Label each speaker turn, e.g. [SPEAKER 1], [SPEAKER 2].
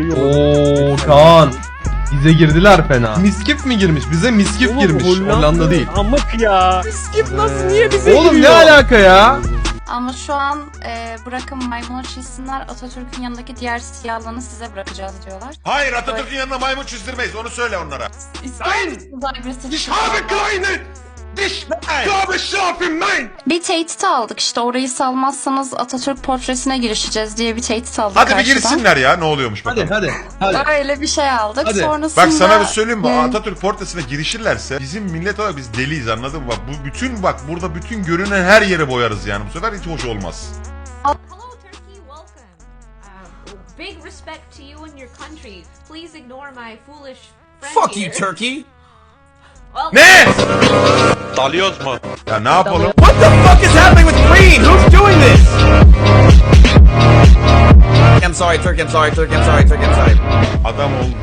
[SPEAKER 1] Oo Kaan. Bize girdiler fena. Miskif mi girmiş? Bize Miskif
[SPEAKER 2] Oğlum,
[SPEAKER 1] girmiş. Hollanda değil.
[SPEAKER 2] Amık ya. Miskif nasıl niye bize
[SPEAKER 1] Oğlum
[SPEAKER 2] giriyor?
[SPEAKER 1] ne alaka ya?
[SPEAKER 3] Ama şu an bırakın maymunu çizsinler, Atatürk'ün yanındaki diğer siyahlarını size bırakacağız diyorlar.
[SPEAKER 4] Hayır, Atatürk'ün yanına maymun çizdirmeyiz, onu söyle onlara.
[SPEAKER 3] İster misiniz agresif?
[SPEAKER 4] Ich habe kleine dich habe scharfen mein.
[SPEAKER 3] Bir tehdit aldık işte, orayı salmazsanız Atatürk portresine girişeceğiz diye bir tehdit aldık
[SPEAKER 4] Hadi bir
[SPEAKER 3] karşıdan.
[SPEAKER 4] girsinler ya, ne oluyormuş bakalım.
[SPEAKER 1] Hadi.
[SPEAKER 3] Öyle bir şey aldık.
[SPEAKER 1] Hadi.
[SPEAKER 3] Sonrasında...
[SPEAKER 4] Bak sana bir söyleyeyim mi? Atatürk portresine girişirlerse bizim millet olarak biz deliyiz, anladın mı? Bak bu bütün burada bütün görünen her yere boyarız yani. Bu sefer hiç hoş olmaz.
[SPEAKER 5] Hello, Turkey. Welcome. Big respect to you and your country. Please ignore my foolish friend
[SPEAKER 6] Fuck
[SPEAKER 5] here.
[SPEAKER 6] you, Turkey!
[SPEAKER 5] Well,
[SPEAKER 4] Ne?
[SPEAKER 7] Dalıyoruz mu?
[SPEAKER 4] Ya ne yapalım?
[SPEAKER 6] What the fuck is happening with green? Who's doing this? I'm sorry, Turkey, I'm sorry, Turkey, I'm sorry, Turkey, I'm sorry.
[SPEAKER 4] Adam oldu